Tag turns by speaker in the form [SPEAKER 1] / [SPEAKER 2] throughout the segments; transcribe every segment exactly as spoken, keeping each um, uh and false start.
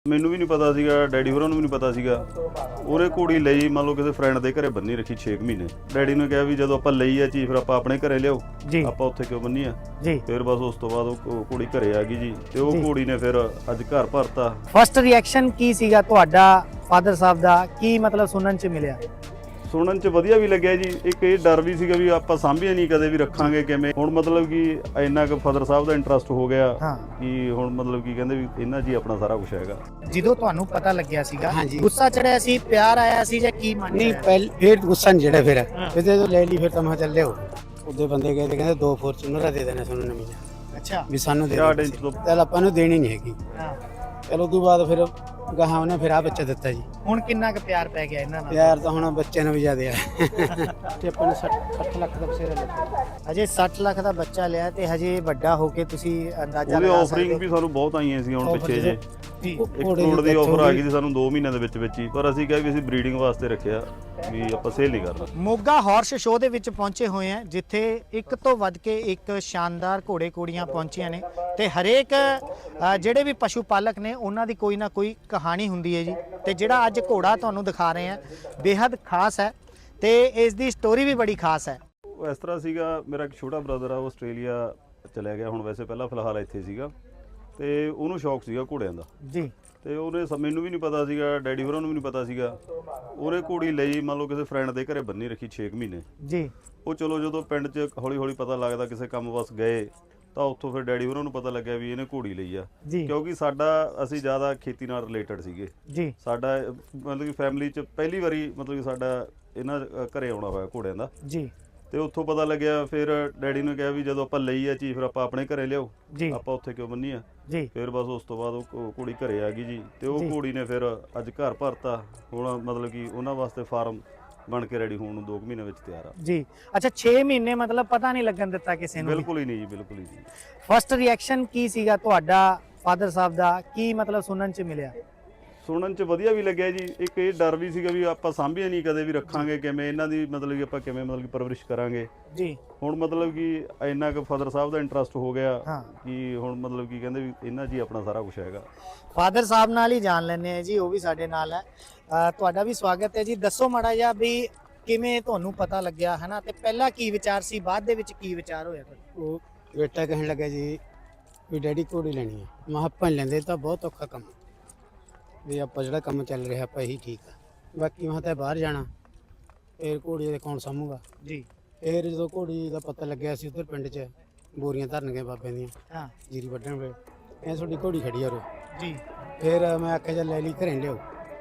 [SPEAKER 1] ਮੈਨੂੰ ਵੀ ਨਹੀਂ ਪਤਾ ਸੀਗਾ, ਡੈਡੀ ਹੋਰਾਂ ਨੂੰ ਵੀ ਨਹੀਂ ਪਤਾ ਸੀਗਾ। ਉਹਨੇ ਘੋੜੀ ਲਈ ਮੰਨ ਲਓ ਕਿਸੇ ਫਰੈਂਡ ਦੇ ਘਰੇ ਬੰਨੀ ਰੱਖੀ ਛੇ ਮਹੀਨੇ। ਡੈਡੀ ਨੇ ਕਿਹਾ ਵੀ ਜਦੋਂ ਆਪਾਂ ਲਈ ਆ ਚੀਜ਼ ਫਿਰ ਆਪਾਂ ਆਪਣੇ ਘਰੇ ਲਿਆਓ, ਆਪਾਂ ਉੱਥੇ ਕਿਉਂ ਬੰਨੀ ਆ ਜੀ। ਫਿਰ ਬਸ ਉਸ ਤੋਂ ਬਾਅਦ ਉਹ ਘੋੜੀ ਘਰੇ ਆ ਗਈ ਜੀ, ਤੇ ਉਹ ਘੋੜੀ ਨੇ ਫਿਰ ਅੱਜ ਘਰ ਭਰਤਾ।
[SPEAKER 2] ਫਸਟ ਰਿਐਕਸ਼ਨ ਕੀ ਸੀਗਾ ਤੁਹਾਡਾ ਫਾਦਰ ਸਾਹਿਬ ਦਾ, ਕੀ ਮਤਲਬ ਸੁਣਨ ਚ ਮਿਲਿਆ?
[SPEAKER 1] ਸੁਣਨ ਚ ਵਧੀਆ ਵੀ ਲੱਗਿਆ ਜੀ। ਇੱਕ ਇਹ ਡਰ ਵੀ ਸੀਗਾ ਵੀ ਆਪਾਂ ਸਾਂਭਿਆ ਨਹੀਂ ਕਦੇ ਵੀ ਰੱਖਾਂਗੇ ਕਿਵੇਂ। ਹੁਣ ਮਤਲਬ ਕਿ ਇੰਨਾ ਕੁ ਫਾਦਰ ਸਾਹਿਬ ਦਾ ਇੰਟਰਸਟ ਹੋ ਗਿਆ ਕਿ ਹੁਣ ਮਤਲਬ ਕੀ ਕਹਿੰਦੇ ਵੀ ਇਹਨਾਂ ਜੀ ਆਪਣਾ ਸਾਰਾ ਕੁਝ ਹੈਗਾ।
[SPEAKER 2] ਜਦੋਂ ਤੁਹਾਨੂੰ ਪਤਾ ਲੱਗਿਆ ਸੀਗਾ ਗੁੱਸਾ ਚੜਿਆ ਸੀ, ਪਿਆਰ ਆਇਆ ਸੀ ਜਾਂ ਕੀ ਮਨ?
[SPEAKER 3] ਨਹੀਂ ਪਹਿਲ ਫਿਰ ਗੁੱਸਾ ਨਹੀਂ ਜਿਹੜਾ ਫਿਰ ਫਿਰ ਜਦੋਂ ਲੈ ਲਈ ਫਿਰ ਤਾਂ ਮੈਂ ਚੱਲੇ ਹੋ ਉਹਦੇ ਬੰਦੇ ਗਏ ਤੇ ਕਹਿੰਦੇ ਦੋ ਫੋਰਚੂਨਰ ਦੇ ਦੇਣੇ ਸਾਨੂੰ ਨਵੀਆਂ।
[SPEAKER 2] ਅੱਛਾ ਵੀ
[SPEAKER 3] ਸਾਨੂੰ ਦੇ ਚੱਲ ਆਪਾਂ ਨੂੰ ਦੇਣੀ ਨਹੀਂ ਹੈਗੀ। ਚਲੋ ਉਦੋਂ ਬਾਅਦ ਫਿਰ ਗਾਹਾਂ ਉਹਨੇ ਫਿਰ ਆ ਬੱਚਾ ਦਿੱਤਾ ਜੀ।
[SPEAKER 2] ਹੁਣ ਕਿੰਨਾ ਕੁ ਪਿਆਰ ਪੈ ਗਿਆ ਇਹਨਾਂ ਨਾਲ?
[SPEAKER 3] ਪਿਆਰ ਤਾਂ ਹੁਣ ਬੱਚੇ ਨੂੰ ਵੀ ਜ਼ਿਆਦਾ ਆ। ਤੇ ਆਪਾਂ ਨੇ ਸੱਠ ਲੱਖ ਦਾ ਬਸੇਰਾ ਲਿਆ।
[SPEAKER 2] ਅਜੇ ਸੱਠ ਲੱਖ ਦਾ ਬੱਚਾ ਲਿਆ ਤੇ ਹਜੇ ਵੱਡਾ ਹੋ ਕੇ ਤੁਸੀਂ ਅੰਦਾਜ਼ਾ
[SPEAKER 1] ਉਹਦੀ
[SPEAKER 2] ਲਗਾ
[SPEAKER 1] ਆਫਰਿੰਗ ਵੀ ਸਾਨੂੰ ਬਹੁਤ ਆਈਆਂ ਸੀ ਹੁਣ ਪਿੱਛੇ ਜੇ।
[SPEAKER 2] ਜੀ
[SPEAKER 1] ਇੱਕ ਕਰੋੜ ਦੀ ਆਫਰ ਆ ਗਈ ਸੀ ਸਾਨੂੰ ਦੋ ਮਹੀਨਿਆਂ ਦੇ ਵਿੱਚ ਵਿੱਚ ਹੀ, ਪਰ ਅਸੀਂ ਕਿਹਾ ਵੀ ਅਸੀਂ ਬਰੀਡਿੰਗ ਵਾਸਤੇ ਰੱਖਿਆ ਵੀ ਆਪਾਂ ਸੇਲ ਨਹੀਂ ਕਰਨਾ।
[SPEAKER 2] ਮੋਗਾ ਹਾਰਸ ਸ਼ੋਅ ਦੇ ਵਿੱਚ ਪਹੁੰਚੇ ਹੋਏ ਆ ਜਿੱਥੇ ਇੱਕ ਤੋਂ ਵੱਧ ਕੇ ਇੱਕ ਸ਼ਾਨਦਾਰ ਘੋੜੇ ਘੋੜੀਆਂ ਪਹੁੰਚੀਆਂ ਨੇ ਤੇ ਹਰੇਕ ਜਿਹੜੇ ਵੀ ਪਸ਼ੂ ਪਾਲਕ ਨੇ ਉਹਨਾਂ ਦੀ ਕੋਈ ਨਾ ਕੋਈ ਕਹਾਣੀ ਹੁੰਦੀ ਹੈ ਜੀ। ਤੇ ਜਿਹੜਾ ਅੱਜ ਘੋੜਾ ਤੁਹਾਨੂੰ ਦਿਖਾ ਰਹੇ ਆ ਬੇहद ਖਾਸ ਹੈ ਤੇ ਇਸ ਦੀ ਸਟੋਰੀ ਵੀ ਬੜੀ ਖਾਸ ਹੈ।
[SPEAKER 1] ਉਹ ਇਸ ਤਰ੍ਹਾਂ ਸੀਗਾ, ਮੇਰਾ ਇੱਕ ਛੋਟਾ ਬ੍ਰਦਰ ਆ, ਉਹ ਆਸਟ੍ਰੇਲੀਆ ਚਲਿਆ ਗਿਆ ਹੁਣ, ਵੈਸੇ ਪਹਿਲਾਂ ਫਿਲਹਾਲ ਇੱਥੇ ਸੀਗਾ, ਤੇ ਉਹਨੂੰ ਸ਼ੌਕ ਸੀਗਾ ਘੋੜਿਆਂ ਦਾ
[SPEAKER 2] ਜੀ। ਤੇ
[SPEAKER 1] ਉਹਨੇ ਮੈਨੂੰ ਵੀ ਨਹੀਂ ਪਤਾ ਸੀਗਾ, ਡੈਡੀ ਹੋਰਾਂ ਨੂੰ ਵੀ ਨਹੀਂ ਪਤਾ ਸੀਗਾ। ਉਹਨੇ ਘੋੜੀ ਲਈ ਮੰਨ ਲਓ ਕਿਸੇ ਫਰੈਂਡ ਦੇ ਘਰੇ ਬੰਨੀ ਰੱਖੀ ਛੇ ਮਹੀਨੇ
[SPEAKER 2] ਜੀ।
[SPEAKER 1] ਉਹ ਚਲੋ ਜਦੋਂ ਪਿੰਡ 'ਚ ਹੌਲੀ ਹੌਲੀ ਪਤਾ ਲੱਗਦਾ ਕਿਸੇ ਕੰਮ ਬਸ ਗਏ ਤਾਂ ਉੱਥੋਂ ਫਿਰ ਡੈਡੀ ਹੋਰਾਂ ਨੂੰ ਪਤਾ ਲੱਗਿਆ ਵੀ ਇਹਨੇ ਘੋੜੀ ਲਈ ਆ। ਕਿਉਂਕਿ ਸਾਡਾ ਅਸੀਂ ਜ਼ਿਆਦਾ ਖੇਤੀ ਨਾਲ ਰਿਲੇਟਡ ਸੀਗੇ ਜੀ। ਸਾਡਾ ਮਤਲਬ ਕਿ ਫੈਮਿਲੀ 'ਚ ਪਹਿਲੀ ਵਾਰੀ ਮਤਲਬ ਕਿ ਸਾਡਾ ਇਹਨਾਂ ਘਰੇ ਆਉਣਾ ਹੋਇਆ ਘੋੜਿਆਂ ਦਾ ਜੀ। ਤੇ ਉੱਥੋਂ ਪਤਾ ਲੱਗਿਆ, ਫਿਰ ਡੈਡੀ ਨੇ ਕਿਹਾ ਵੀ ਜਦੋਂ ਆਪਾਂ ਲਈ ਆ ਚੀਜ਼ ਫਿਰ ਆਪਾਂ ਆਪਣੇ ਘਰੇ ਲਿਆਓ, ਆਪਾਂ ਉੱਥੇ ਕਿਉਂ ਬੰਨੀ ਆ ਜੀ। ਫਿਰ ਬਸ ਉਸ ਤੋਂ ਬਾਅਦ ਉਹ ਘੋੜੀ ਘਰੇ ਆ ਗਈ ਜੀ, ਤੇ ਉਹ ਘੋੜੀ ਨੇ ਫਿਰ ਅੱਜ ਘਰ ਭਰਤਾ। ਹੁਣ ਮਤਲਬ ਕਿ ਉਹਨਾਂ ਵਾਸਤੇ ਫਾਰਮ ਬਣ ਕੇ ਰੈਡੀ ਹੋਣ ਨੂੰ ਦੋ ਮਹੀਨੇ ਵਿੱਚ ਤਿਆਰ ਆ
[SPEAKER 2] ਜੀ। ਅੱਛਾ ਛੇ ਮਹੀਨੇ ਮਤਲਬ ਪਤਾ ਨਹੀਂ ਲੱਗਣ ਦਿੱਤਾ ਕਿਸੇ ਨੂੰ?
[SPEAKER 1] ਬਿਲਕੁਲ ਹੀ ਨਹੀਂ ਜੀ, ਬਿਲਕੁਲ ਹੀ ਨਹੀਂ।
[SPEAKER 2] ਫਸਟ ਰਿਐਕਸ਼ਨ ਕੀ ਸੀਗਾ ਤੁਹਾਡਾ ਫਾਦਰ ਸਾਹਿਬ ਦਾ, ਕੀ ਮਤਲਬ ਸੁਣਨ ਚ ਮਿਲਿਆ?
[SPEAKER 1] ਸੁਣਨ ਚ ਵਧੀਆ ਵੀ ਲੱਗਿਆ ਜੀ। ਇੱਕ ਇਹ ਡਰ ਵੀ ਸੀਗਾ ਵੀ ਆਪਾਂ ਸਾਂਭਿਆ ਨਹੀਂ ਕਦੇ ਵੀ ਰੱਖਾਂਗੇ ਕਿਵੇਂ, ਇਹਨਾਂ ਦੀ ਮਤਲਬ ਕਿ ਆਪਾਂ ਕਿਵੇਂ ਮਤਲਬ ਕਿ ਪਰਵਰਿਸ਼ ਕਰਾਂਗੇ ਜੀ। ਹੁਣ ਮਤਲਬ ਕਿ ਇੰਨਾ ਕੁ ਫਾਦਰ ਸਾਹਿਬ ਦਾ ਇੰਟਰਸਟ ਹੋ ਗਿਆ ਕਿ ਹੁਣ ਮਤਲਬ ਕਿ ਕਹਿੰਦੇ ਵੀ ਇਹਨਾਂ ਜੀ ਆਪਣਾ ਸਾਰਾ ਕੁਝ ਹੈਗਾ।
[SPEAKER 2] ਫਾਦਰ ਸਾਹਿਬ ਨਾਲ ਹੀ ਜਾਣ ਲੈਣੇ ਆ ਜੀ, ਉਹ ਵੀ ਸਾਡੇ ਨਾਲ ਹੈ। ਤੁਹਾਡਾ ਵੀ ਸਵਾਗਤ ਹੈ ਜੀ। ਦੱਸੋ ਮਾੜਾ ਜਿਹਾ ਵੀ ਕਿਵੇਂ ਤੁਹਾਨੂੰ ਪਤਾ ਲੱਗਿਆ ਹੈ ਨਾ, ਤੇ ਪਹਿਲਾਂ ਕੀ ਵਿਚਾਰ ਸੀ, ਬਾਅਦ ਦੇ ਵਿੱਚ ਕੀ ਵਿਚਾਰ ਹੋਇਆ?
[SPEAKER 3] ਉਹ ਬੇਟਾ ਕਹਿਣ ਲੱਗਾ ਜੀ ਵੀ ਡੈਡੀ ਘੋੜੀ ਲੈਣੀ ਹੈ। ਮੈਂ ਆਪਾਂ ਲੈਂਦੇ ਤਾਂ ਬਹੁਤ ਔਖਾ ਕੰਮ ਵੀ ਆਪਾਂ ਜਿਹੜਾ ਕੰਮ ਚੱਲ ਰਿਹਾ ਆਪਾਂ ਇਹੀ ਠੀਕ ਆ, ਬਾਕੀ ਮੈਂ ਤਾਂ ਬਾਹਰ ਜਾਣਾ, ਫਿਰ ਘੋੜੀ ਦੇ ਕੌਣ ਸਾਂਭੂਗਾ ਜੀ। ਫਿਰ ਜਦੋਂ ਘੋੜੀ ਦਾ ਪਤਾ ਲੱਗਿਆ ਸੀ ਉੱਧਰ ਪਿੰਡ 'ਚ ਬੋਰੀਆਂ ਧਰਨ ਗਏ ਬਾਬਿਆਂ ਦੀਆਂ, ਹਾਂ ਜੀਰੀ ਵੱਢਣ ਵੇਲੇ ਇਹ ਤੁਹਾਡੀ ਘੋੜੀ ਖੜੀ ਆ ਉਰੇ ਜੀ। ਫਿਰ ਮੈਂ ਆਖਿਆ ਚੱਲ ਲੈ ਲਈ ਘਰੇ ਲਿਆਓ,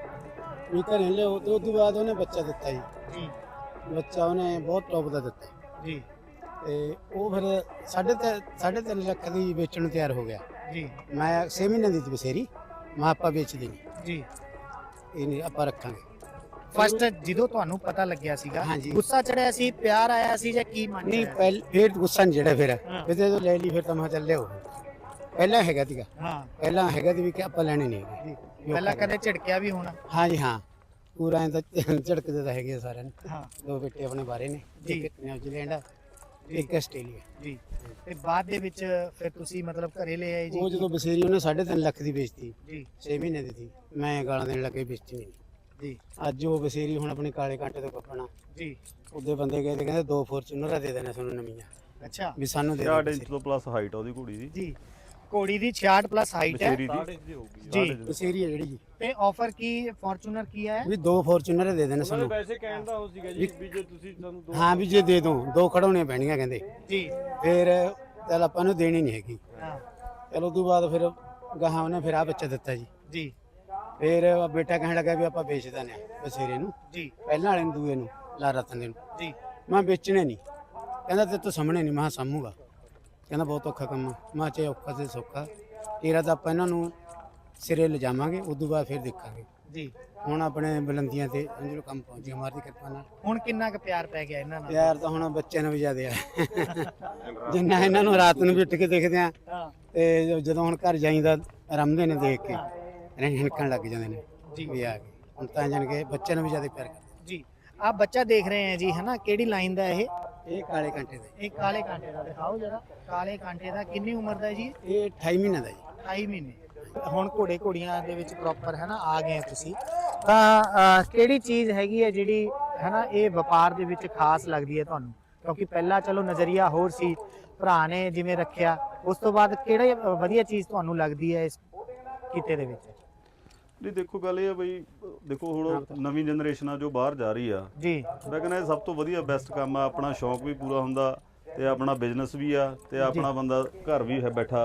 [SPEAKER 3] ਵੀ ਘਰੇ ਲਿਆਓ। ਤੇ ਉਸ ਤੋਂ ਬਾਅਦ ਉਹਨੇ ਬੱਚਾ ਦਿੱਤਾ ਜੀ ਜੀ। ਬੱਚਾ ਉਹਨੇ ਬਹੁਤ ਟੌਪ ਦਾ ਦਿੱਤਾ ਜੀ। ਤੇ ਉਹ ਫਿਰ ਸਾਢੇ ਤਿੰਨ ਸਾਢੇ ਤਿੰਨ ਲੱਖ ਦੀ ਵੇਚਣ ਨੂੰ ਤਿਆਰ ਹੋ ਗਿਆ ਜੀ। ਮੈਂ ਛੇ ਮਹੀਨੇ ਦੀ ਬਸੇਰੀ ਮੈਂ ਆਪਾਂ ਵੇਚ ਦੇਣੀ ਜੀ, ਇਹ ਨਹੀਂ ਆਪਾਂ ਰੱਖਾਂਗੇ।
[SPEAKER 2] ਫਸਟ ਜਦੋਂ ਤੁਹਾਨੂੰ ਪਤਾ ਲੱਗਿਆ ਸੀਗਾ ਗੁੱਸਾ ਚੜਿਆ ਸੀ, ਪਿਆਰ ਆਇਆ ਸੀ ਜਾਂ ਕੀ ਮਨ?
[SPEAKER 3] ਨਹੀਂ ਪਹਿਲ ਫਿਰ ਗੁੱਸਾ ਨਹੀਂ ਜਿਹੜਾ ਫਿਰ ਫਿਰ ਜਦੋਂ ਲੈ ਲਈ ਫਿਰ ਤਾਂ ਮੈਂ ਚੱਲੇ ਹੋ ਪਹਿਲਾਂ ਹੈਗਾ ਸੀਗਾ। ਹਾਂ ਪਹਿਲਾਂ ਹੈਗਾ ਸੀ ਵੀ ਕਿ ਆਪਾਂ ਲੈਣੇ ਨਹੀਂ ਹੈਗੇ।
[SPEAKER 2] ਪਹਿਲਾਂ ਕਦੇ ਝਿੜਕਿਆ ਵੀ ਹੋਣਾ?
[SPEAKER 3] ਹਾਂ ਜੀ ਹਾਂ, ਪੂਰਾ ਤਾਂ ਝਿੜਕਦੇ ਤਾਂ ਹੈਗੇ ਸਾਰਿਆਂ ਨੂੰ। ਹਾਂ ਦੋ ਬੇਟੇ ਆਪਣੇ ਬਾਰੇ ਨੇ, ਇੱਕ ਨਿਊਜ਼ੀਲੈਂਡ ਇੱਕ ਆਸਟ੍ਰੇਲੀਆ ਜੀ।
[SPEAKER 2] ਤੇ ਬਾਅਦ ਦੇ ਵਿੱਚ ਫਿਰ ਤੁਸੀਂ ਮਤਲਬ ਘਰੇ ਲੈ ਆਏ ਜੀ?
[SPEAKER 3] ਉਹ ਜਦੋਂ ਬਸੇਰੀ ਉਹਨੇ ਸਾਢੇ ਤਿੰਨ ਲੱਖ ਦੀ ਵੇਚਤੀ ਜੀ, ਛੇ ਮਹੀਨੇ ਦੀ ਸੀ, ਮੈਂ ਗਾਲਾਂ ਦੇਣ ਲੱਗੇ ਵੇਚਤੀ ਨਹੀਂ ਜੀ। ਅੱਜ ਉਹ ਬਸੇਰੀ ਹੁਣ ਆਪਣੇ ਕਾਲੇ ਕਾਂਟੇ ਤੋਂ ਕੱਪਣਾ ਜੀ। ਉਹਦੇ ਬੰਦੇ ਗਏ ਤੇ ਕਹਿੰਦੇ ਦੋ ਫੋਰਚੂਨਰ ਦੇ ਦੇਣੇ ਸਾਨੂੰ ਨਵੀਆਂ।
[SPEAKER 2] ਅੱਛਾ ਵੀ
[SPEAKER 3] ਸਾਨੂੰ ਦੇ
[SPEAKER 1] ਛਿਆਹਠ ਇੰਚ ਤੋਂ ਪਲੱਸ ਹਾਈਟ ਆ ਉਹਦੀ ਘੋੜੀ ਦੀ ਜੀ।
[SPEAKER 2] ਘੋੜੀ ਦੀ ਛਿਆਹਠ ਪਲੱਸ ਹਾਈਟ ਹੈ
[SPEAKER 3] ਜੀ, ਬਸੇਰੀ ਹੈ ਜਿਹੜੀ ਜੀ।
[SPEAKER 2] ਤੇ ਆਫਰ ਕੀ ਫੋਰਚੂਨਰ ਕੀ ਹੈ?
[SPEAKER 3] ਵੀ ਦੋ ਫੋਰਚੂਨਰ ਦੇ ਦੇਣੇ ਸਾਨੂੰ।
[SPEAKER 4] ਵੈਸੇ ਕਹਿਣ ਦਾ ਹੋ ਸੀਗਾ ਜੀ ਵੀ ਜੇ ਤੁਸੀਂ ਸਾਨੂੰ ਦੋ,
[SPEAKER 3] ਹਾਂ ਵੀ ਜੇ ਦੇ ਦੋ ਦੋ ਖੜਾਉਣੀਆਂ ਪੈਣੀਆਂ ਕਹਿੰਦੇ ਜੀ। ਫਿਰ ਚੱਲ ਆਪਾਂ ਨੂੰ ਦੇਣੀ ਨਹੀਂ ਹੈਗੀ। ਹਾਂ ਚਲੋ ਉਸ ਤੋਂ ਬਾਅਦ ਫਿਰ ਗਾਹਾਂ ਉਹਨੇ ਫਿਰ ਆ ਬੱਚਾ ਦਿੱਤਾ ਜੀ ਜੀ। ਫਿਰ ਬੇਟਾ ਕਹਿਣ ਲੱਗਾ ਵੀ ਆਪਾਂ ਵੇਚ ਦਿੰਦੇ ਆ ਬਸੇਰੇ ਨੂੰ ਜੀ, ਪਹਿਲਾਂ ਵਾਲੇ ਨੂੰ ਦੂਏ ਨੂੰ ਲਾ ਰਤਨ ਦੇ ਨੂੰ ਜੀ। ਮੈਂ ਵੇਚਣੇ ਨਹੀਂ, ਕਹਿੰਦਾ ਤੇ ਤੂੰ ਸਾਹਮਣੇ ਨਹੀਂ। ਮੈਂ ਸਾਂਭੂਗਾ, ਕਹਿੰਦਾ ਬਹੁਤ ਔਖਾ ਕੰਮ। ਮੈਂ ਚਾਹੇ ਔਖਾ ਤੇ ਸੌਖਾ, ਤੇਰਾ ਤਾਂ ਆਪਾਂ ਇਹਨਾਂ ਨੂੰ ਸਿਰੇ ਲਿਜਾਵਾਂਗੇ, ਉਸ ਤੋਂ ਬਾਅਦ ਫਿਰ ਦੇਖਾਂਗੇ ਜੀ। ਹੁਣ ਆਪਣੇ ਬੁਲੰਦੀਆਂ ਤੇ ਅੰਜਲੋ ਕੰਮ ਪਹੁੰਚ ਗਿਆ ਮਾਰ ਦੀ ਕਿਰਪਾ ਨਾਲ।
[SPEAKER 2] ਹੁਣ ਕਿੰਨਾ ਕੁ ਪਿਆਰ ਪੈ ਗਿਆ ਇਹਨਾਂ ਨਾਲ?
[SPEAKER 3] ਪਿਆਰ ਤਾਂ ਹੁਣ ਬੱਚਿਆਂ ਨੂੰ ਵੀ ਜ਼ਿਆਦਾ ਆ। ਜਿੰਨਾ ਇਹਨਾਂ ਨੂੰ ਰਾਤ ਨੂੰ ਵੀ ਉੱਠ ਕੇ ਦੇਖਦੇ ਆ, ਤੇ ਜਦੋਂ ਹੁਣ ਘਰ ਜਾਈਦਾ ਰਮਦੇ ਨੇ ਦੇਖ ਕੇ ਹਿਣਕਣ ਲੱਗ ਜਾਂਦੇ ਨੇ ਜੀ ਵੀ ਆ ਗਏ। ਹੁਣ ਤਾਂ ਜਾਣ ਕੇ ਬੱਚਿਆਂ ਨੂੰ ਵੀ ਜ਼ਿਆਦਾ ਪਿਆਰ ਕਰਦੇ
[SPEAKER 2] ਜੀ। ਆਹ ਬੱਚਾ ਦੇਖ ਰਹੇ ਆ ਜੀ ਹੈ ਨਾ, ਕਿਹੜੀ ਲਾਈਨ ਦਾ ਇਹ?
[SPEAKER 3] ਇਹ ਕਾਲੇ ਕਾਂਟੇ ਦਾ।
[SPEAKER 2] ਇਹ ਕਾਲੇ ਕਾਂਟੇ ਦਾ ਦਿਖਾਓ ਜਰਾ। ਕਾਲੇ ਕਾਂਟੇ ਦਾ ਕਿੰਨੀ ਉਮਰ ਦਾ ਜੀ?
[SPEAKER 3] ਇਹ ਅਠਾਈ ਮਹੀਨੇ ਦਾ ਜੀ।
[SPEAKER 2] ਅਠਾਈ ਮਹੀਨੇ ਹੁਣ ਘੋੜੇ ਘੋੜੀਆਂ ਦੇ ਵਿੱਚ ਪ੍ਰੋਪਰ ਹੈ ਨਾ ਆ ਗਏ ਤੁਸੀਂ, ਤਾਂ ਅਹ, ਕਿਹੜੀ ਚੀਜ਼ ਹੈਗੀ ਹੈ ਜਿਹੜੀ ਹੈ ਨਾ ਇਹ ਵਪਾਰ ਦੇ ਵਿੱਚ ਖਾਸ ਲੱਗਦੀ ਹੈ ਤੁਹਾਨੂੰ? ਕਿਉਂਕਿ ਪਹਿਲਾਂ ਚਲੋ ਨਜ਼ਰੀਆ ਹੋਰ ਸੀ, ਭਰਾ ਨੇ ਜਿਵੇਂ ਰੱਖਿਆ, ਉਸ ਤੋਂ ਬਾਅਦ ਕਿਹੜੀ ਵਧੀਆ ਚੀਜ਼ ਤੁਹਾਨੂੰ ਲੱਗਦੀ ਹੈ ਇਸ ਕਿੱਤੇ ਦੇ ਵਿੱਚ?
[SPEAKER 1] ਨਹੀਂ ਦੇਖੋ ਗੱਲ ਇਹ ਆ ਬਈ, ਦੇਖੋ ਹੁਣ ਨਵੀਂ ਜਨਰੇਸ਼ਨ ਆ ਜੋ ਬਾਹਰ ਜਾ ਰਹੀ ਆ
[SPEAKER 2] ਜੀ,
[SPEAKER 1] ਮੈਂ ਕਹਿੰਦਾ ਇਹ ਸਭ ਤੋਂ ਵਧੀਆ ਬੈਸਟ ਕੰਮ ਆ। ਆਪਣਾ ਸ਼ੌਂਕ ਵੀ ਪੂਰਾ ਹੁੰਦਾ ਤੇ ਆਪਣਾ ਬਿਜ਼ਨਸ ਵੀ ਆ ਤੇ ਆਪਣਾ ਬੰਦਾ ਘਰ ਵੀ ਹੈ ਬੈਠਾ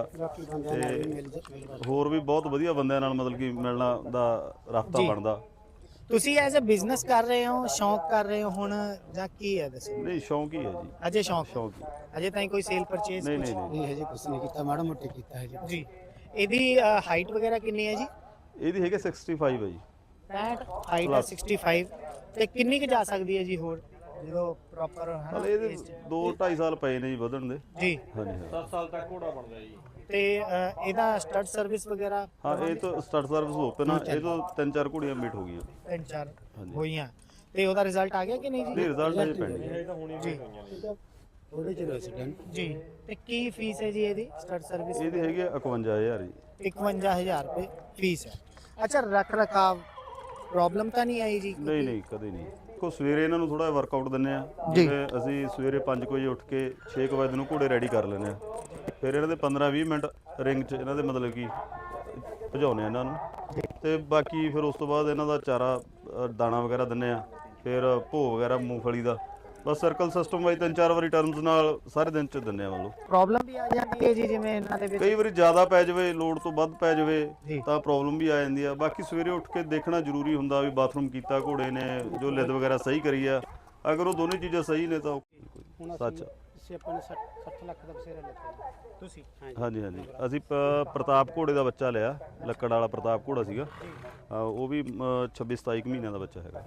[SPEAKER 1] ਤੇ ਹੋਰ ਵੀ ਬਹੁਤ ਵਧੀਆ ਬੰਦਿਆਂ ਨਾਲ ਮਤਲਬ ਕਿ ਮਿਲਣਾ ਦਾ ਰਸਤਾ
[SPEAKER 2] ਜੀ।
[SPEAKER 1] ਬਣਦਾ।
[SPEAKER 2] ਤੁਸੀਂ ਐਜ਼ ਅ ਬਿਜ਼ਨਸ ਕਰ ਰਹੇ ਹੋ, ਸ਼ੌਂਕ ਕਰ ਰਹੇ ਹੋ ਹੁਣ, ਜਾਂ ਕੀ ਹੈ ਦੱਸੋ?
[SPEAKER 1] ਨਹੀਂ ਸ਼ੌਂਕ ਹੀ ਹੈ ਜੀ,
[SPEAKER 2] ਅਜੇ ਸ਼ੌਂਕ
[SPEAKER 1] ਸ਼ੌਂਕ ਹੀ।
[SPEAKER 2] ਅਜੇ ਤਾਈਂ ਕੋਈ ਸੇਲ ਪਰਚੇਸ?
[SPEAKER 1] ਨਹੀਂ ਨਹੀਂ ਨਹੀਂ
[SPEAKER 3] ਇਹ ਹਜੇ ਕੁਛ ਨਹੀਂ ਕੀਤਾ, ਮਾੜਾ ਮੋਟਾ ਕੀਤਾ ਹੈ ਜੀ।
[SPEAKER 2] ਜੀ, ਇਹਦੀ ਹਾਈਟ ਵਗੈਰਾ ਕਿੰਨੀ ਹੈ ਜੀ?
[SPEAKER 1] ਇਹਦੀ ਹੈਗੇ ਪੈਂਸਠ ਹੈ ਜੀ।
[SPEAKER 2] ਪੈਂਹਠ ਹਾਈਟ ਹੈ, ਪੈਂਸਠ, ਤੇ ਕਿੰਨੀ ਕੁ ਜਾ ਸਕਦੀ ਹੈ ਜੀ ਹੋਰ ਜਦੋਂ ਪ੍ਰੋਪਰ ਹੈ ਨਾ?
[SPEAKER 1] ਹਲੇ ਇਹਦੇ ਦੋ ਢਾਈ ਸਾਲ ਪਏ ਨੇ ਜੀ ਵਧਣ ਦੇ।
[SPEAKER 2] ਜੀ,
[SPEAKER 1] ਹਾਂਜੀ ਹਾਂ।
[SPEAKER 4] ਦਸ ਸਾਲ ਤੱਕ ਘੋੜਾ ਬਣਦਾ ਜੀ।
[SPEAKER 2] ਤੇ ਅਹ, ਇਹਦਾ ਸਟੱਡ ਸਰਵਿਸ ਵਗੈਰਾ?
[SPEAKER 1] ਹਾਂ ਇਹ ਤਾਂ ਸਟਾਰਟ ਸਰਵਿਸ ਓਪਨ ਆ, ਇਹ ਤੋਂ ਤਿੰਨ ਚਾਰ ਘੋੜੀਆਂ ਮੀਟ ਹੋ ਗਈਆਂ।
[SPEAKER 2] ਤਿੰਨ ਚਾਰ
[SPEAKER 1] ਹਾਂਜੀ।
[SPEAKER 2] ਹੋਈਆਂ, ਤੇ ਉਹਦਾ ਰਿਜ਼ਲਟ ਆ ਗਿਆ ਕਿ ਨਹੀਂ
[SPEAKER 1] ਨਹੀਂ
[SPEAKER 2] ਜੀ?
[SPEAKER 1] ਰਿਜ਼ਲਟ ਅਜੇ ਪੈਂਡਿੰਗ ਹੈ।
[SPEAKER 4] ਇਹ ਤਾਂ ਹੁਣੀ
[SPEAKER 2] ਜੀ
[SPEAKER 3] ਥੋੜੇ ਚਿਰ ਹੋਏ ਸੀ ਡਨ।
[SPEAKER 2] ਜੀ, ਤੇ ਕੀ ਫੀਸ ਹੈ ਜੀ ਇਹਦੀ ਸਟੱਡ ਸਰਵਿਸ?
[SPEAKER 1] ਇਹਦੀ ਹੈਗੀ ਆ ਇਕਵੰਜਾ ਹਜ਼ਾਰ ਜੀ।
[SPEAKER 2] ਇਕਵੰਜਾ ਹਜ਼ਾਰ ਰੁਪਏ ਫੀਸ ਹੈ। ਅੱਛਾ, ਰੱਖ ਰਖਾਵ ਪ੍ਰੋਬਲਮ ਤਾਂ ਨਹੀਂ ਆਈ ਜੀ?
[SPEAKER 1] ਨਹੀਂ ਨਹੀਂ ਕਦੇ ਨਹੀਂ। ਦੇਖੋ ਸਵੇਰੇ ਇਹਨਾਂ ਨੂੰ ਥੋੜਾ ਵਰਕਆਊਟ ਦਿੰਨੇ ਆ,
[SPEAKER 2] ਜੀ।
[SPEAKER 1] ਜਿਵੇਂ ਅਸੀਂ ਸਵੇਰੇ ਪੰਜ ਵਜੇ ਉੱਠ ਕੇ ਛੇ ਕੁ ਵਜੇ ਨੂੰ ਘੋੜੇ ਰੈਡੀ ਕਰ ਲੈਂਦੇ ਆ, ਫਿਰ ਇਹਨਾਂ ਦੇ ਪੰਦਰਾਂ ਵੀਹ ਮਿੰਟ ਰਿੰਗ 'ਚ ਇਹਨਾਂ ਦੇ ਮਤਲਬ ਕਿ ਭਜਾਉਂਦੇ ਆ ਇਹਨਾਂ ਨੂੰ, ਤੇ ਬਾਕੀ ਫਿਰ ਉਸ ਤੋਂ ਬਾਅਦ ਇਹਨਾਂ ਦਾ ਚਾਰਾ ਅ, ਦਾਣਾ ਵਗੈਰਾ ਦਿੰਨੇ ਆ, ਫਿਰ ਭੋਗ ਵਗੈਰਾ ਮੂੰਗਫਲੀ ਦਾ, ਬਸ ਸਰਕਲ ਸਿਸਟਮ ਵਾਈ ਤਿੰਨ ਚਾਰ ਵਾਰੀ ਟਰਮਸ ਨਾਲ ਸਾਰੇ ਦਿਨ 'ਚ ਦਿੰਨੇ ਆ। ਮਤਲਬ
[SPEAKER 2] ਪ੍ਰੋਬਲਮ ਵੀ ਆ ਜਾਂਦੀ ਹੈ ਜੀ, ਜਿਵੇਂ ਇਹਨਾਂ ਦੇ ਵਿੱਚ
[SPEAKER 1] ਕਈ ਵਾਰੀ ਜ਼ਿਆਦਾ ਪੈ ਜਾਵੇ, ਲੋਡ ਤੋਂ ਵੱਧ ਪੈ ਜਾਵੇ
[SPEAKER 2] ਜੀ।
[SPEAKER 1] ਤਾਂ ਪ੍ਰੋਬਲਮ ਵੀ ਆ ਜਾਂਦੀ ਆ। ਬਾਕੀ ਸਵੇਰੇ ਉੱਠ ਕੇ ਦੇਖਣਾ ਜ਼ਰੂਰੀ ਹੁੰਦਾ ਵੀ ਬਾਥਰੂਮ ਕੀਤਾ ਘੋੜੇ ਨੇ, ਜੋ ਲਿੱਦ ਵਗੈਰਾ ਸਹੀ ਕਰੀ ਆ। ਅਗਰ ਉਹ ਦੋਨੇ ਚੀਜ਼ਾਂ ਸਹੀ ਨੇ ਤਾਂ ਉਹ ਸੱਚ।
[SPEAKER 3] ਅਸੀਂ ਆਪਾਂ ਨੇ ਸੱਠ ਲੱਖ ਦਾ ਬਸੇਰਾ ਲਿਆ
[SPEAKER 2] ਤੁਸੀਂ?
[SPEAKER 1] ਹਾਂਜੀ ਹਾਂਜੀ, ਅਸੀਂ ਪ- ਪ੍ਰਤਾਪ ਘੋੜੇ ਦਾ ਬੱਚਾ ਲਿਆ, ਲੱਕੜ ਵਾਲਾ ਪ੍ਰਤਾਪ ਘੋੜਾ ਸੀਗਾ। ਅ, ਉਹ ਵੀ ਛੱਬੀ ਸਤਾਈ ਕੁ ਮਹੀਨਿਆਂ ਦਾ ਬੱਚਾ ਹੈਗਾ।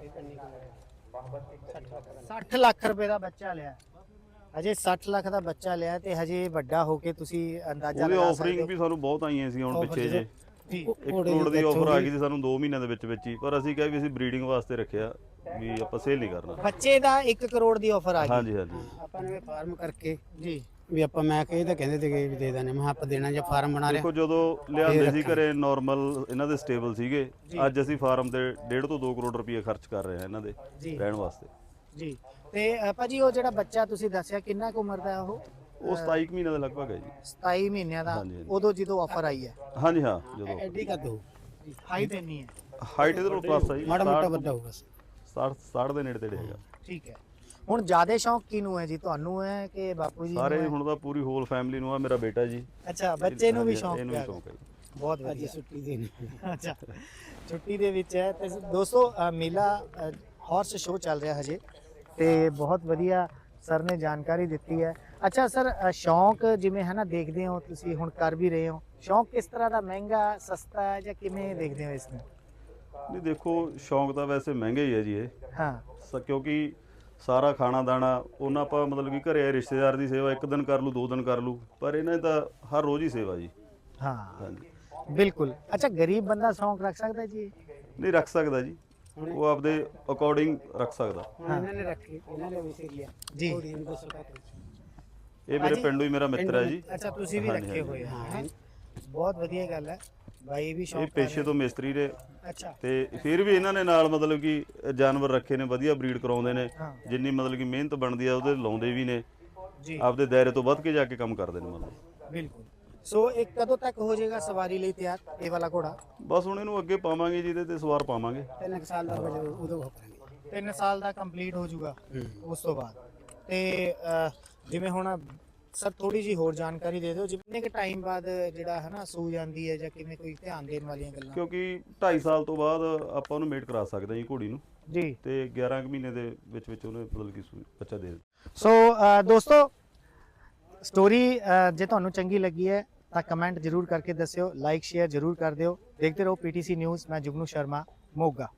[SPEAKER 2] ਸੱਠ ਲੱਖ ਰੁਪਏ ਦਾ ਬੱਚਾ ਲਿਆ, ਅਜੇ ਸੱਠ ਲੱਖ ਦਾ ਬੱਚਾ ਲਿਆ, ਤੇ ਹਜੇ ਵੱਡਾ ਹੋ ਕੇ ਤੁਸੀਂ ਅੰਦਾਜ਼ਾ
[SPEAKER 1] ਉਹਦੇ
[SPEAKER 2] ਲਗਾ
[SPEAKER 1] ਆਫਰਿੰਗ
[SPEAKER 2] ਸਕਦੇ
[SPEAKER 1] ਵੀ ਸਾਨੂੰ ਬਹੁਤ ਆਈਆਂ ਸੀ ਹੁਣ ਪਿੱਛੇ ਜੇ।
[SPEAKER 2] ਜੀ।
[SPEAKER 1] ਇੱਕ ਕਰੋੜ ਦੀ ਆਫਰ ਆ ਗਈ ਸੀ ਸਾਨੂੰ ਦੋ ਮਹੀਨਿਆਂ ਦੇ ਵਿੱਚ ਵਿੱਚ ਹੀ, ਪਰ ਅਸੀਂ ਕਿਹਾ ਵੀ ਅਸੀਂ ਬਰੀਡਿੰਗ ਵਾਸਤੇ ਰੱਖਿਆ, ਵੀ ਆਪਾਂ ਸੇਲ ਨਹੀਂ ਕਰਨਾ।
[SPEAKER 2] ਬੱਚੇ ਦਾ ਇੱਕ ਕਰੋੜ ਦੀ ਆਫਰ ਆ ਗਈ?
[SPEAKER 1] ਹਾਂਜੀ ਹਾਂਜੀ।
[SPEAKER 3] ਆਪਾਂ ਨੇ ਫਾਰਮ ਕਰਕੇ
[SPEAKER 2] ਜੀ,
[SPEAKER 3] ਵੀ ਆਪਾਂ ਮੈਂ ਕਹੇ ਤਾਂ ਕਹਿੰਦੇ ਸੀਗੇ ਵੀ ਦੇ ਦਾਂਗੇ, ਮੈਂ ਕਿਹਾ ਆਪਾਂ ਦੇਣਾ ਜਾਂ ਫਾਰਮ ਬਣਾ ਲਿਆ।
[SPEAKER 1] ਦੇਖੋ ਜਦੋਂ ਲਿਆਂਦੇ ਸੀ ਘਰੇ ਨਾਰਮਲ ਇਹਨਾਂ ਦੇ ਸਟੇਬਲ ਸੀਗੇ, ਅੱਜ ਅਸੀਂ ਫਾਰਮ ਤੇ ਡੇਢ ਤੋਂ ਦੋ ਕਰੋੜ ਰੁਪਏ ਖਰਚ ਕਰ ਰਹੇ ਹਾਂ ਇਹਨਾਂ ਦੇ
[SPEAKER 2] ਜੀ।
[SPEAKER 1] ਰਹਿਣ ਵਾਸਤੇ।
[SPEAKER 2] ਜੀ, ਤੇ ਅ, ਭਾਜੀ ਉਹ ਜਿਹੜਾ ਬੱਚਾ ਤੁਸੀਂ ਦੱਸਿਆ ਕਿੰਨਾ ਕੁ ਉਮਰ ਦਾ ਹੈ ਉਹ?
[SPEAKER 1] ਉਹ ਸਤਾਈ ਕੁ ਮਹੀਨਿਆਂ ਦਾ ਲਗਭਗ ਹੈ ਜੀ।
[SPEAKER 2] ਸਤਾਈ ਮਹੀਨਿਆਂ ਦਾ?
[SPEAKER 1] ਹਾਂਜੀ, ਹਾਂਜੀ।
[SPEAKER 2] ਉਦੋਂ ਜਦੋਂ ਆਫਰ ਆਈ ਹੈ?
[SPEAKER 1] ਹਾਂਜੀ ਹਾਂ, ਜਦੋਂ
[SPEAKER 3] ਐਡੀ ਕਰ ਦੋ,
[SPEAKER 2] ਹਾਈਟ ਇੰਨੀ ਹੈ?
[SPEAKER 1] ਹਾਈਟ ਇਹਦੇ ਨਾਲ ਪਲੱਸ ਆ ਜੀ,
[SPEAKER 3] ਮਾੜਾ ਮੋਟਾ ਵੱਡਾ ਹੋਊਗਾ।
[SPEAKER 1] ਸੱਠ ਸੱਠ ਦੇ ਨੇੜੇ ਤੇੜੇ ਹੈਗਾ।
[SPEAKER 2] ਠੀਕ ਹੈ। ਹੁਣ ਜ਼ਿਆਦਾ ਸ਼ੌਂਕ ਕਿਹਨੂੰ ਹੈ ਜੀ, ਤੁਹਾਨੂੰ ਹੈ ਕਿ ਬਾਪੂ ਜੀ ਨੂੰ
[SPEAKER 1] ਸਾਰੇ
[SPEAKER 2] ਹੈ?
[SPEAKER 1] ਹੁਣ ਤਾਂ ਪੂਰੀ ਹੋਲ ਫੈਮਿਲੀ ਨੂੰ ਆ, ਮੇਰਾ ਬੇਟਾ ਜੀ।
[SPEAKER 2] ਅੱਛਾ, ਬੱਚੇ ਨੂੰ ਵੀ
[SPEAKER 1] ਹਾਂਜੀ,
[SPEAKER 2] ਸ਼ੌਂਕ
[SPEAKER 1] ਇਹਨੂੰ ਵੀ
[SPEAKER 2] ਪਿਆ
[SPEAKER 1] ਸ਼ੌਂਕ ਹੈ ਜੀ।
[SPEAKER 2] ਬਹੁਤ
[SPEAKER 3] ਅੱਜ
[SPEAKER 2] ਵਧੀਆ।
[SPEAKER 3] ਛੁੱਟੀ ਦੇਣੀ।
[SPEAKER 2] ਅੱਛਾ, ਛੁੱਟੀ ਦੇ ਵਿੱਚ ਹੈ। ਤੇ ਦੋਸਤੋ ਅ, ਮੇਲਾ ਹਾਰਸ ਸ਼ੋਅ ਚੱਲ ਰਿਹਾ ਹਜੇ, ਤੇ ਬਹੁਤ ਵਧੀਆ ਸਰ ਨੇ ਜਾਣਕਾਰੀ ਦਿੱਤੀ ਹੈ। ਅੱਛਾ ਸਰ, ਅ, ਸ਼ੌਂਕ ਜਿਵੇਂ ਹੈ ਨਾ ਦੇਖਦੇ ਹੋ ਤੁਸੀਂ, ਹੁਣ ਕਰ ਵੀ ਰਹੇ ਹੋ, ਸ਼ੌਂਕ ਕਿਸ ਤਰ੍ਹਾਂ ਦਾ, ਮਹਿੰਗਾ ਸਸਤਾ ਹੈ ਜਾਂ ਕਿਵੇਂ ਦੇਖਦੇ ਹੋ ਇਸ ਨੂੰ?
[SPEAKER 1] ਨਹੀਂ ਦੇਖੋ ਸ਼ੌਂਕ ਤਾਂ ਵੈਸੇ ਮਹਿੰਗਾ ਹੀ ਹੈ ਜੀ ਇਹ,
[SPEAKER 2] ਹਾਂ
[SPEAKER 1] ਸ- ਕਿਉਂਕਿ ਸਾਰਾ ਖਾਣਾ ਦਾਣਾ ਉਹਨਾਂ ਆਪਾਂ ਮਤਲਬ ਕਿ ਘਰੇ ਰਿਸ਼ਤੇਦਾਰ ਦੀ ਸੇਵਾ ਇੱਕ ਦਿਨ ਕਰ ਲੂ ਦੋ ਦਿਨ ਕਰ ਲੂ, ਪਰ ਇਹਨਾਂ ਦੀ ਤਾਂ ਹਰ ਰੋਜ਼ ਹੀ ਸੇਵਾ ਜੀ।
[SPEAKER 2] ਹਾਂ
[SPEAKER 1] ਹਾਂਜੀ,
[SPEAKER 2] ਬਿਲਕੁਲ। ਅੱਛਾ, ਗਰੀਬ ਬੰਦਾ ਸ਼ੌਂਕ ਰੱਖ ਸਕਦਾ ਜੀ?
[SPEAKER 1] ਨਹੀਂ ਰੱਖ ਸਕਦਾ ਜੀ, ਉਹ ਆਪਦੇ ਅਕੋਰਡਿੰਗ ਰੱਖ ਸਕਦਾ।
[SPEAKER 3] ਹੁਣ ਇਹਨਾਂ ਨੇ ਰੱਖੀ, ਇਹਨਾਂ ਨੇ ਵਿਸੇ ਲਿਆ
[SPEAKER 2] ਜੀ।
[SPEAKER 3] ਥੋੜੀ ਜਿਹੀ ਦੱਸੋ ਕਾ
[SPEAKER 1] ਇਹ ਮੇਰੇ ਪਿੰਡੋਂ ਹੀ ਮੇਰਾ ਮਿੱਤਰ ਹੈ ਜੀ।
[SPEAKER 2] ਅੱਛਾ, ਤੁਸੀਂ ਵੀ
[SPEAKER 1] ਹਾਂਜੀ,
[SPEAKER 2] ਰੱਖੇ ਹੋਏ ਆ? ਹੈਂ? ਬਹੁਤ ਵਧੀਆ ਗੱਲ ਹੈ, ਬਾਈ ਵੀ
[SPEAKER 1] ਇਹ
[SPEAKER 2] ਸ਼ੌਂਕ ਕਰ
[SPEAKER 1] ਪੇਸ਼ੇ ਤੋਂ ਮਿਸਤਰੀ ਨੇ,
[SPEAKER 2] ਰਹੇ। ਅੱਛਾ,
[SPEAKER 1] ਤੇ ਫਿਰ ਵੀ ਇਹਨਾਂ ਨੇ ਨਾਲ ਮਤਲਬ ਕਿ ਜਾਨਵਰ ਰੱਖੇ ਨੇ, ਵਧੀਆ ਬਰੀਡ ਕਰਾਉਂਦੇ ਨੇ,
[SPEAKER 2] ਹਾਂ
[SPEAKER 1] ਜਿੰਨੀ ਮਤਲਬ ਕਿ ਮਿਹਨਤ ਬਣਦੀ ਆ ਉਹਦੇ ਲਾਉਂਦੇ ਵੀ ਨੇ,
[SPEAKER 2] ਜੀ,
[SPEAKER 1] ਆਪਦੇ ਦਾਇਰੇ ਤੋਂ ਵੱਧ ਕੇ ਜਾ ਕੇ ਕੰਮ ਕਰਦੇ ਨੇ ਮਤਲਬ।
[SPEAKER 2] ਬਿਲਕੁਲ। ਸੋ ਇਹ ਕਦੋਂ ਤੱਕ ਹੋ ਜਾਏਗਾ ਸਵਾਰੀ ਲਈ ਤਿਆਰ, ਇਹ ਵਾਲਾ ਘੋੜਾ?
[SPEAKER 1] ਬਸ ਹੁਣ ਇਹਨੂੰ ਅੱਗੇ ਪਾਵਾਂਗੇ ਜਿਹਦੇ ਤੇ ਸਵਾਰ ਪਾਵਾਂਗੇ।
[SPEAKER 3] ਤਿੰਨ ਕੁ ਸਾਲ ਦਾ ਹੋ ਜਾਊ ਉਦੋਂ ਹੋ ਕਰਾਂਗੇ।
[SPEAKER 2] ਤਿੰਨ ਸਾਲ ਦਾ ਕੰਪਲੀਟ ਹੋ ਜਾਊਗਾ ਉਸ ਤੋਂ ਬਾਅਦ। ਤੇ ਅਹ, ਜਿਵੇਂ ਹੁਣ ਸਰ ਥੋੜੀ ਜੀ ਹੋਰ ਜਾਣਕਾਰੀ ਦੇ ਦਿਓ, ਜਿੰਨੇ ਕਿ ਟਾਈਮ ਬਾਅਦ ਜਿਹੜਾ ਹੈ ਨਾ ਸੂ ਜਾਂਦੀ ਹੈ, ਜਾਂ ਕਿਵੇਂ ਕੋਈ ਧਿਆਨ ਦੇਣ ਵਾਲੀਆਂ ਗੱਲਾਂ?
[SPEAKER 1] ਕਿਉਂਕਿ ਢਾਈ ਸਾਲ ਤੋਂ ਬਾਅਦ ਆਪਾਂ ਉਹਨੂੰ ਮੇਟ ਕਰਾ ਸਕਦੇ ਹਾਂ ਜੀ ਘੋੜੀ ਨੂੰ,
[SPEAKER 2] ਜੀ।
[SPEAKER 1] ਤੇ ਗਿਆਰਾਂ ਕੁ ਮਹੀਨੇ ਦੇ ਵਿੱਚ ਵਿੱਚ ਉਹਨੇ ਮਤਲਬ ਕਿ ਸੂ- ਬੱਚਾ ਦੇ ਦਿੱਤਾ।
[SPEAKER 2] ਸੋ ਅਹ, ਦੋਸਤੋ ਸਟੋਰੀ ਜੇ ਤੁਹਾਨੂੰ ਚੰਗੀ ਲੱਗੀ ਹੈ ਤਾਂ ਕਮੈਂਟ ਜ਼ਰੂਰ ਕਰਕੇ ਦੱਸਿਓ, ਲਾਈਕ ਸ਼ੇਅਰ ਜ਼ਰੂਰ ਕਰ ਦਿਓ। ਦੇਖਦੇ ਰਹੋ ਪੀਟੀਸੀ ਨਿਊਜ਼। ਮੈਂ ਜੁਗਨੂ ਸ਼ਰਮਾ, ਮੋਗਾ।